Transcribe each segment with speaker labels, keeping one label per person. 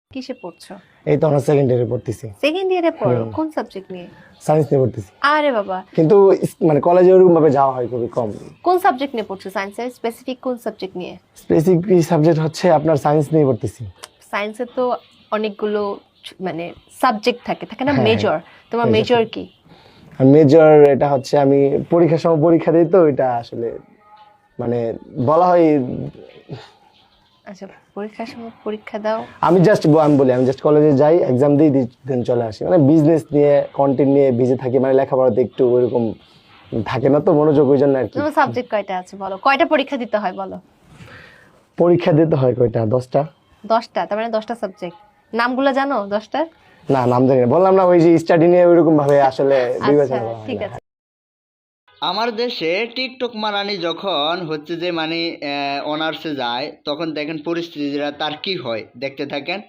Speaker 1: কিসে পড়ছো?
Speaker 2: এই তো আমরা সেকেন্ড ইয়ারে পড়তেছি।
Speaker 1: সেকেন্ড ইয়ারে পড়ো? কোন সাবজেক্ট নিয়ে?
Speaker 2: সায়েন্স নিয়ে পড়তেছি,
Speaker 1: আরে বাবা,
Speaker 2: কিন্তু মানে কলেজে ওরকম ভাবে যাওয়া হয় খুবই কম।
Speaker 1: কোন সাবজেক্ট নিয়ে পড়ছো? সায়েন্সের স্পেসিফিক কোন সাবজেক্ট নিয়ে?
Speaker 2: স্পেসিফিক সাবজেক্ট হচ্ছে আপনার সায়েন্স নিয়ে পড়তেছি।
Speaker 1: সায়েন্সে তো অনেকগুলো মানে সাবজেক্ট থাকে থাকে না,
Speaker 2: হ্যাঁ,
Speaker 1: মেজর। তোমার
Speaker 2: major
Speaker 1: মেজর কি?
Speaker 2: আর মেজর এটা হচ্ছে আমি পরীক্ষার সময় পরীক্ষা দিই, তো এটা আসলে মানে বলা হয়।
Speaker 1: আচ্ছা, পরীক্ষার সময় পরীক্ষা দাও।
Speaker 2: আমি জাস্ট কলেজে যাই, এক্সাম দিই, দেন চলে আসি। মানে বিজনেস নিয়ে, কন্টেন্ট নিয়ে বিজি থাকি, মানে লেখাপড়াতে একটু ওইরকম থাকে না তো মনোযোগ, ওই জন্য আর কি।
Speaker 1: তোমার সাবজেক্ট কয়টা আছে বলো? কয়টা পরীক্ষা দিতে হয় বলো?
Speaker 2: পরীক্ষা দিতে হয় কয়টা? 10টা।
Speaker 1: 10টা? তার মানে 10টা সাবজেক্ট। নামগুলো জানো 10টার?
Speaker 2: না, নাম জানি না, বললাম না, ওই যে স্টাডি নিয়ে ওইরকম ভাবে আসলে বিবেচনা
Speaker 1: আচ্ছা,
Speaker 2: করা হয়
Speaker 1: ঠিক
Speaker 2: না।
Speaker 1: আছে।
Speaker 3: আমার দেশে টিকটক মারানি যখন হচ্ছে যে মানে অনার্সে যায়, তখন দেখেন পরিস্থিতিটা তার কি হয়, দেখতে থাকেন।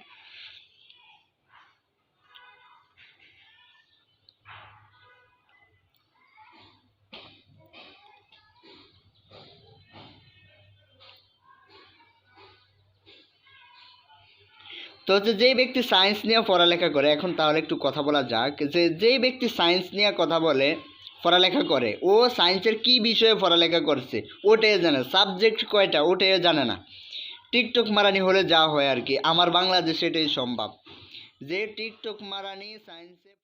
Speaker 3: তো হচ্ছে যেই ব্যক্তি সায়েন্স নিয়ে পড়ালেখা করে, এখন তাহলে একটু কথা বলা যাক যে যেই ব্যক্তি সায়েন্স নিয়ে কথা বলে, পড়ালেখা করে, ও সায়েন্সের কি বিষয়ে পড়ালেখা করছে ওটাই জানে, সাবজেক্ট কয়টা ওটাই জানে না। টিকটক মারানি হলে যা হয় আর কি, আমার বাংলাদেশে এটাই সম্ভব যে টিকটক মারানি সায়েন্সে